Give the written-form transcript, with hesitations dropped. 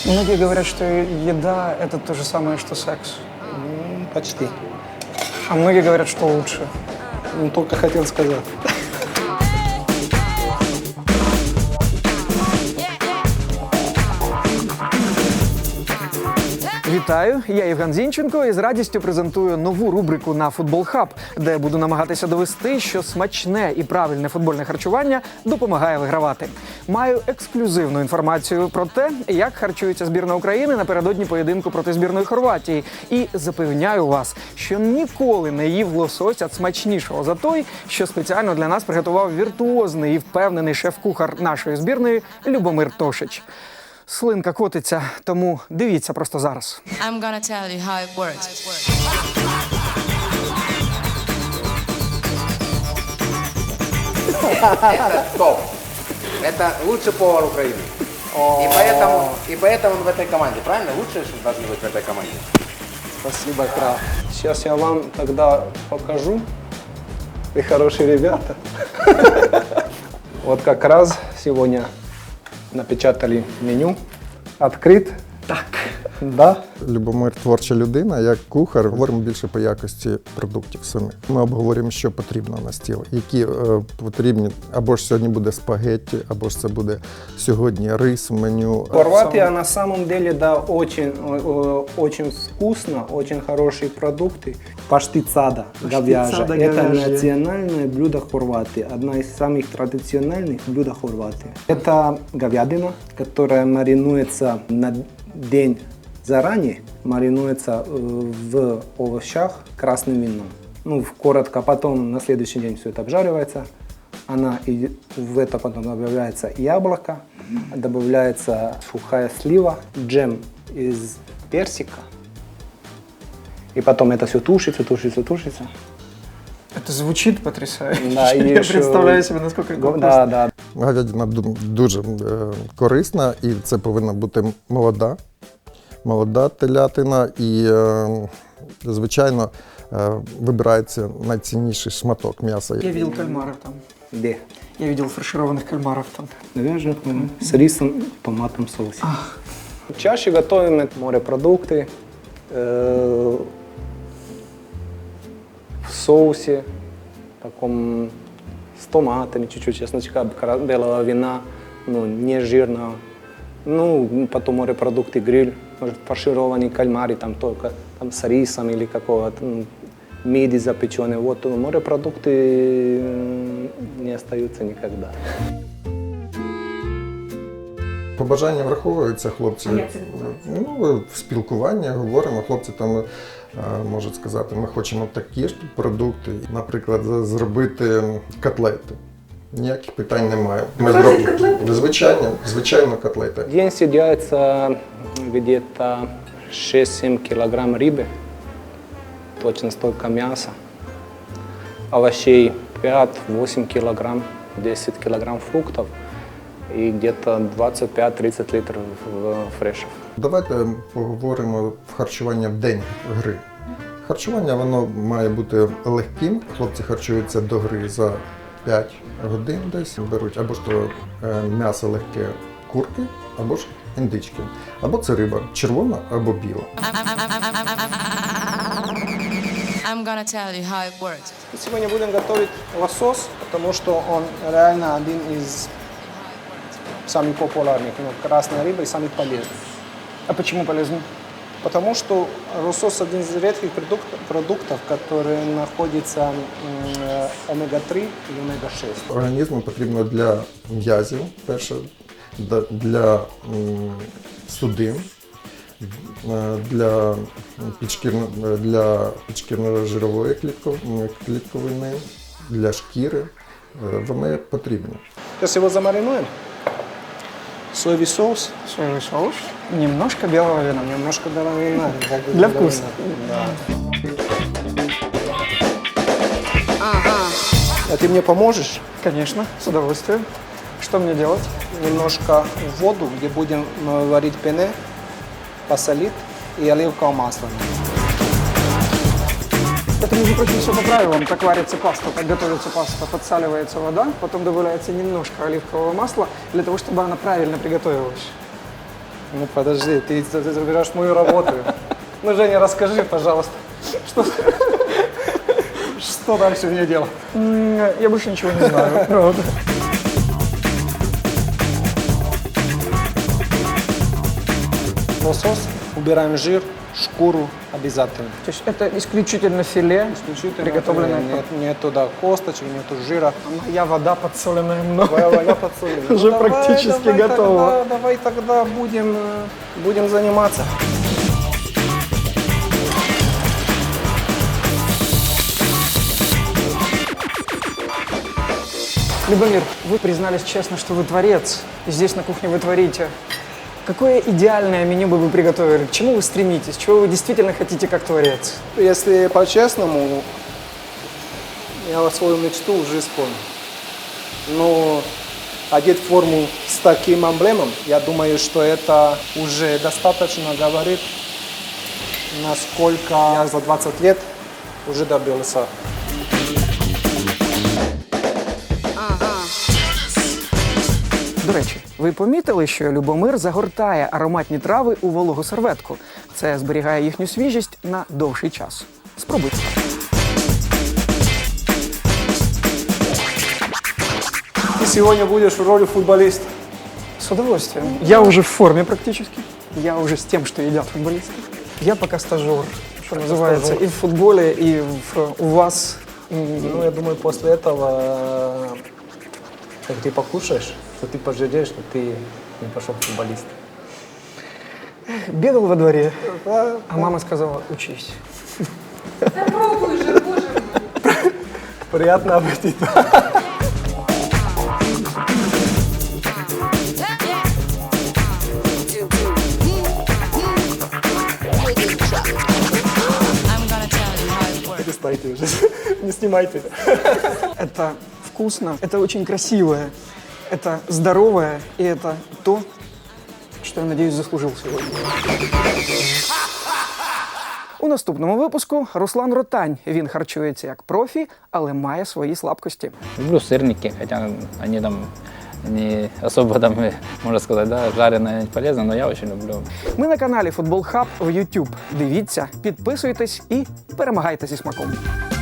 Многие говорят, что еда – это то же самое, что секс. Почти. А многие говорят, что лучше. Только хотел сказать. Вітаю, я Євген Зінченко і з радістю презентую нову рубрику на Футбол Хаб, де буду намагатися довести, що смачне і правильне футбольне харчування допомагає вигравати. Маю ексклюзивну інформацію про те, як харчується збірна України напередодні поєдинку проти збірної Хорватії. І запевняю вас, що ніколи не їв лосося смачнішого за той, що спеціально для нас приготував віртуозний і впевнений шеф-кухар нашої збірної Любомир Тошич. Слинка котиться, тому дивіться просто зараз. I'm gonna tell you how it works. Это топ. Это лучший повар Украины. И поэтому он в этой команде. Правильно? Лучшие что должны быть в этой команде. Спасибо, Крав. Сейчас я вам тогда покажу. Вы хорошие ребята. Вот как раз сегодня напечатали меню. Открыт. Так. Да. Любомир творча людина, як кухар, говоримо більше по якості продуктів самих. Ми обговорюємо, що потрібно на стіл, які потрібні, або ж сьогодні буде спагетті, або ж це буде сьогодні рис в меню. Хорватия на самом деле, да, очень вкусно, очень хорошие продукты. Паштицада говяжья. Это национальное блюдо Хорватии, одна из самых традиционных блюд Хорватии. Это говядина, которая маринуется на день заранее, маринуется в овощах красным вином. Ну, коротко, потом на следующий день все это обжаривается. И в это потом добавляется яблоко, добавляется сухая слива, джем из персика. И потом это все тушится. Это звучит потрясающе. Да, и я еще... представляю себе, насколько это вкусно. Да. Говядина дуже корисна, і це повинна бути молода телятина, і, звичайно, вибирається найцінніший шматок м'яса. Я видел кальмаров там. Где? Я видел фаршированных кальмаров там. Говяжьих с рисом и томатным соусом. Чаще готовим морепродукты в соусе, таком с томатами, чуть-чуть чесночка, белого вина, не жирного. Потом морепродукты, гриль, может, фаршированный кальмари, там только там, с рисом или какого-то мидии запеченные. Вот морепродукты не остаются никогда. Побажання враховуються, хлопці. В спілкуванні говоримо, хлопці там можуть сказати, ми хочемо такі ж продукти, наприклад, зробити котлети. Ніяких питань немає. Ми зробимо звичайно котлети. В день съедается где-то 6-7 килограмм рыбы, точно столько мяса, овощей 5-8 килограмм, 10 килограмм фруктов и где-то 25-30 литров фрешів. Давайте поговоримо в харчування в день гри. Харчування воно має бути легким. Хлопці харчуються до гри за 5 годин десь. Беруть або ж то м'ясо легке курки, або ж індички. Або це риба червона або біла. I'm gonna tell you how it works. Сегодня будем готовить лосось, потому что он реально один из самых популярных. Красная рыба и самый полезный. А почему полезно? Потому что лосось один из редких продуктов, которые находятся омега-3 и омега-6. Організму потрібно для м'язів, перше, для судин, для підшкірно-жирової клітковини, для шкіри. Вони потрібні. Сейчас его замаринуем. Соевый соус. Соевый соус, немножко белого вина. Немножко белого вина. Для вкуса. Да. А ты мне поможешь? Конечно, с удовольствием. Что мне делать? Немножко в воду, где будем варить пене, посолить и оливковое масло. Это, между прочим, все по правилам. Так варится паста, так готовится паста. Подсаливается вода, потом добавляется немножко оливкового масла, для того, чтобы она правильно приготовилась. Ну подожди, ты забираешь мою работу. Ну, Женя, расскажи, пожалуйста, что дальше мне делать? Я больше ничего не знаю, правда. Лосось, убираем жир, шкуру обязательно. То есть это исключительно филе, приготовленное. Нет туда косточек, нету жира. Моя вода подсоленная мной. Твоя подсолнуха. Уже практически готово. Давай тогда будем заниматься. Любомир, вы признались честно, что вы творец. И здесь на кухне вы творите. Какое идеальное меню бы вы приготовили? К чему вы стремитесь? Чего вы действительно хотите как творец? Если по-честному, я свою мечту уже исполнил. Но одеть форму с таким эмблемом, я думаю, что это уже достаточно говорит, насколько я за 20 лет уже добился. До речі, ви помітили, що Любомир загортає ароматні трави у вологу серветку. Це зберігає їхню свіжість на довший час. Спробуйте. Ты сегодня будешь в роли футболиста. С удовольствием. Я уже в форме практически. Я уже с тем, что едят футболисты. Я пока стажер, что называется, и в футболе, и у вас. Ну, я думаю, после этого, как ты покушаешь, то ты пожалеешь, что ты не пошел в футболист. Бегал во дворе, а мама сказала, учись. Приятного аппетита. I'm gonna tell you how it works. Перестайте уже, не снимайте. Это вкусно, это очень красивое, это здоровое, и это то, що, я надіюсь, заслужив сьогодні. У наступному випуску Руслан Ротань. Він харчується як профі, але має свої слабкості. Люблю сырники, хотя они там не особо там, можно сказать, да, жареные не полезно, но я очень люблю. Ми на каналі Футбол Хаб в YouTube. Дивіться, підписуйтесь і перемагайте зі смаком.